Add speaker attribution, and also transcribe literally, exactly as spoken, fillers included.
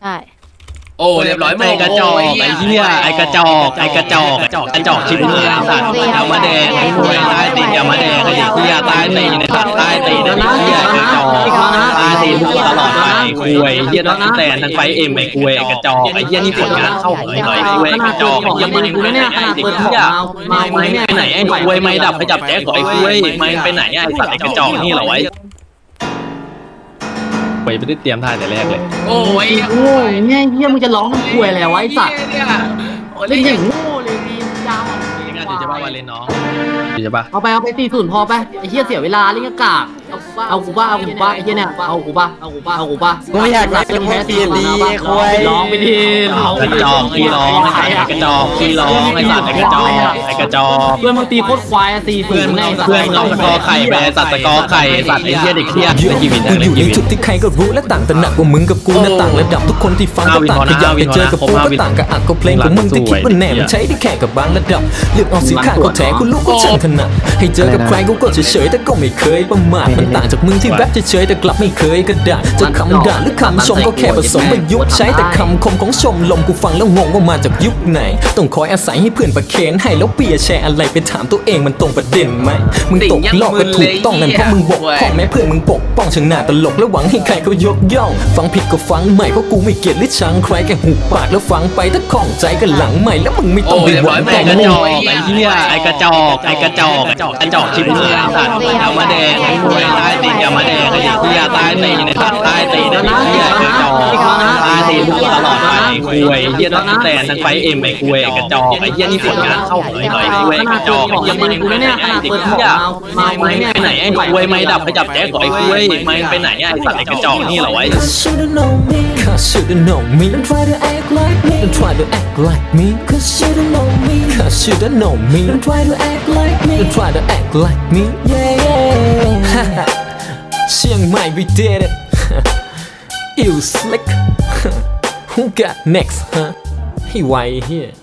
Speaker 1: ใช่
Speaker 2: โอ้เรียบร้อย
Speaker 3: ไอ้กระจอกไอ้เหี้ยไอ้กระจอกไอ้กระจอกกระจอกกระจอกชิบหายสัตว์เอามาแดงไอ้หวยใต้ตีนเอามาแดงไอ้เหี้ยใต้ตีนไอ้สัตว์ใต้ตีนไอ้เหี้ยกระจอกใต้ตีนทุกตลอดไปคุยเหี้ยทั้งแต่ทั้งไฟเอ็มไอ้คุยไอ้กระจอกไอ้เหี้ยนี่ผลงานเข้าหอยหน่อยไอ้คุยกระจอกไอ้เหี้ยไม่ไปไหนไอ้เด็กเหี้ยไม่ไปไหนไอ้คุยไม่ดับไปจับแจ๊กไอ้คุยไม่ไปไหนไอ้สัตว์ไอ้กระจอกนี่เหรอไอ้ไปไม่ได้เตรียมท่าแต่แรกเลย
Speaker 2: โอ้ย
Speaker 4: โอ้ยเนี่ยเฮียมึงจะร้องทำควยอะไรวะไอ้สัตว์
Speaker 2: โอ้
Speaker 4: เล่
Speaker 2: เล่
Speaker 4: น
Speaker 2: น
Speaker 4: อ
Speaker 2: อย่า
Speaker 4: ย่าง งโง่เลยดียาวอ่ะ
Speaker 3: เล่นงานอยู่จะบ้าวาเลนน้องอยู่จะบ้า
Speaker 4: เอาไปเอาไปสี่ศูนย์พอไปไอ้เฮียเสียเวลาเล่นกากเอากูบ้าเอากูบ้าไอ้เฮียเนี่ยเอากูบ้าเอากูบ้าเอากูบ้ากูไม่อยากเล่นแพ้ทีมดีควยร้องไปดิร้อง
Speaker 3: กระจอกขี้ร้องไอ้กระจอกขี้ร้องไอ้สัตว์ไอ้กระจอกไอ้กระจอก
Speaker 4: เพื่อนมึงตีโคตรควายสี่ศู
Speaker 3: เพื่อน
Speaker 4: นย์
Speaker 3: เราเพื่อนเราตะกอไข่ไปสัตว์ตะกอไข่สัตว์ไอ้เหี้ยเด็กเหี้ยไอ้ชีวิต
Speaker 5: กู
Speaker 3: อะไร
Speaker 5: อยู่
Speaker 3: ชี
Speaker 5: ใน
Speaker 3: วิต
Speaker 5: จุดที่ใครก็รู้และต่างแต่หนักกว่ามึงกับกูนะต่างระดับทุกคนที่ฟังก็ต่างขยับไปเจอกับกูก็ต่างกับอักก็เพลงของมึงที่คิดว่าแน่มันใช้ได้แค่กับบางระดับเลือกเอาสิข้างก็แถกูรู้ก็ช่างถนัดให้เจอกับใครกูก็เฉยๆแต่ก็ไม่เคยประมาทมันต่างจากมึงที่แรปเฉยๆแต่กลับไม่เคยกระดาษจะคำด่าหรือคำชมก็แค่ผสมประยุกต์ใช้แต่คำคมของชมลมกูฟังแล้วงงว่ามาจากยุคไหนต้องคอยอาศัยให้เพื่อนประเคนให้แล้วเปียแชร์อะไรไปถามตัวเองมันตรงประเด็นไหมมึงตกลอกก็ถูกต้องนั่นเพราะมึงบกพร่องแม้เพื่อนมึงปกป้องช่างหน้าตลกแล้วหวังให้ใครเขายกย่องฟังผิดก็ฟังใหม่เพราะกูไม่เกลียดหรือชังใครแค่หูปากแล้วฟังไปถ้าคล่องใจก็หลังใหม่แล้วมึงไม่ต้องไปหวัง
Speaker 3: ไอ้กระจอกไอ้เหี้ยไอ้กระจอกไอ้กระจอกกระจอกกระจอกชิบหายสัตว์เอามาแดงไอ้หวยใต้ตีนเอามาแดงไอ้เหี้ยใต้ตีนไอ้สัตว์ใต้ตีนไอ้เหี้ยกระจอกใต้ตีนทุกตลอดไปคุยเหี้ยทั้งแต่ทั้งไฟเอ็มไอ้คุยไอ้กระจอกไอ้เหี้ยนี่ผลงานเข้าหอยหน่อยคุยกระจอกไอ้เหี้ยไม่ไปไหนไอ้เด็กเหี้ยไม่ไปไหนไอ้คุยไม่ดับไปจับแจ๊กไอ้คุยไม่ไปไหนไอ้สัตว์ไอ้กระจอกนี่เหรอไอ้
Speaker 5: Should've known me, cause should've known me. Don't try to act like me. Don't try to act like me, cause should've known me. Cause should've known me. Don't try to act like me. Don't try to act like me. Yeah, yeah. Chiang Mai, we did it. You slick. Who got next, huh? Hey, why here?